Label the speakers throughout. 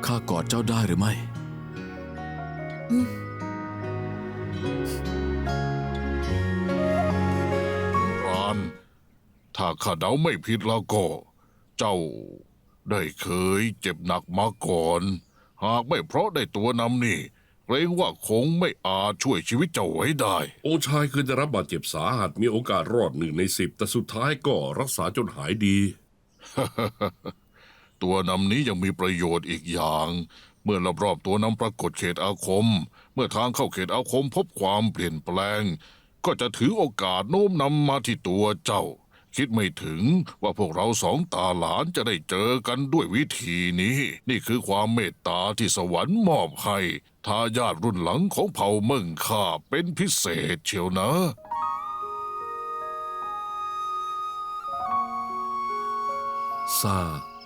Speaker 1: ข้ากอดเจ้าได้หรือไม่
Speaker 2: ปราณถ้าข้าเดาไม่ผิดแล้วก็ เจ้าได้เคยเจ็บหนักมาก่อน หากไม่เพราะได้ตัวนำนี่เกรงว่าคงไม่อาจช่วยชีวิตเจ้าไว้ได้
Speaker 3: องค์ชายเคยได้รับบาดเจ็บสาหัสมีโอกาสรอด1 ใน 10แต่สุดท้ายก็รักษาจนหายดี
Speaker 2: ตัวนำนี้ยังมีประโยชน์อีกอย่าง เมื่อรอบๆตัวนำปรากฏเขตอาคม เมื่อทางเข้าเขตอาคมพบความเปลี่ยนแปลง ก็จะถือโอกาสโน้มนำมาที่ตัวเจ้า คิดไม่ถึงว่าพวกเราสองตาหลานจะได้เจอกันด้วยวิธีนี้ นี่คือความเมตตาที่สวรรค์มอบให้ทายาทรุ่นหลังของเผ่าเมิ่งข้าเป็นพิเศษเชียวนะ
Speaker 3: ซา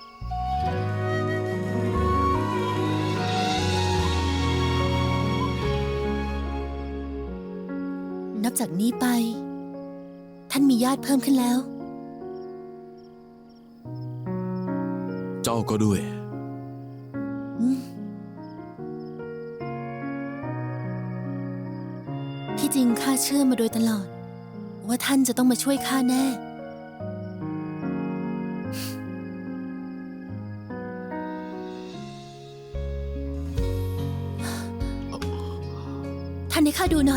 Speaker 4: นับจากนี้ไป ท่านมีญาติเพิ่มขึ้นแล้ว
Speaker 1: เจ้าก็ด้วย
Speaker 4: ที่จริงข้าเชื่อมาโดยตลอด ว่าท่านจะต้องมาช่วยข้าแน่ ท่านให้ข้าดูหน่อย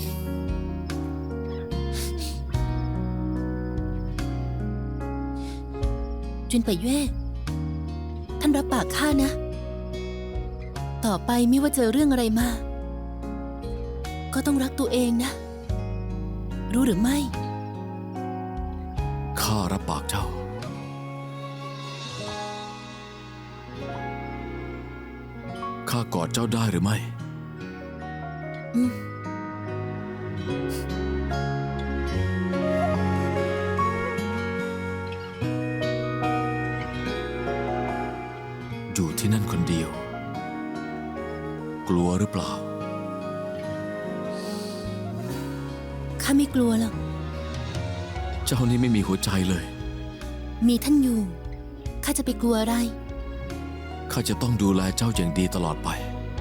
Speaker 4: จุนไปเย่ท่านรับปากข้านะ ต่อไปไม่ว่าเจอเรื่องอะไรมา ก็ต้องรักตัวเองนะ รู้หรือไม่
Speaker 1: ข้ารับปากเจ้าข้ากอดเจ้าได้หรือไม่อยู่ที่นั่นคนเดียว กลัวหรือเปล่า
Speaker 4: ข้าไม่กลัวหรอก
Speaker 1: เจ้านี่ไม่มีหัวใจเลย
Speaker 4: มีท่านอยู่ ข้าจะไปกลัวอะไร
Speaker 1: ข้าจะต้องดูแลเจ้าอย่างดีตลอดไป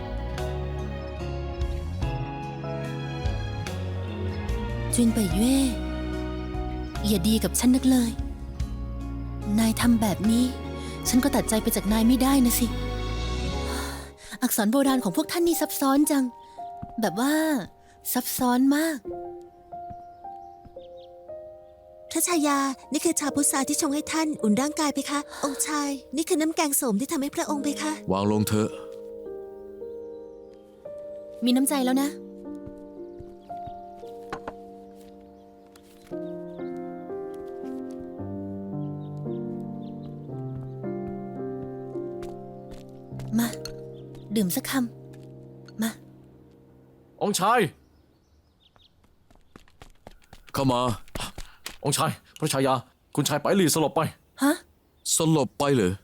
Speaker 4: จุนไปเย่อย่าดีกับฉันนักเลย นายทำแบบนี้ ฉันก็ตัดใจไปจากนายไม่ได้นะสิ อักษรโบราณของพวกท่านนี่ซับซ้อนจัง แบบว่าซับซ้อนมาก
Speaker 5: พระชายา นี่คือชาพุทราที่ชงให้ท่านอุ่นร่างกายไปคะ องค์ชาย นี่คือน้ำแกงโสมที่ทำให้พระองค์ไปคะ
Speaker 1: วางลงเถอะ
Speaker 4: มีน้ำใจแล้วนะ มา ดื่มสักคำ มา
Speaker 6: องค์ชาย
Speaker 1: เข้ามา
Speaker 6: องค์ชาย พระชายา คุณชายไปหลีสลบไป
Speaker 4: ฮะ
Speaker 1: สลบไปเหรอ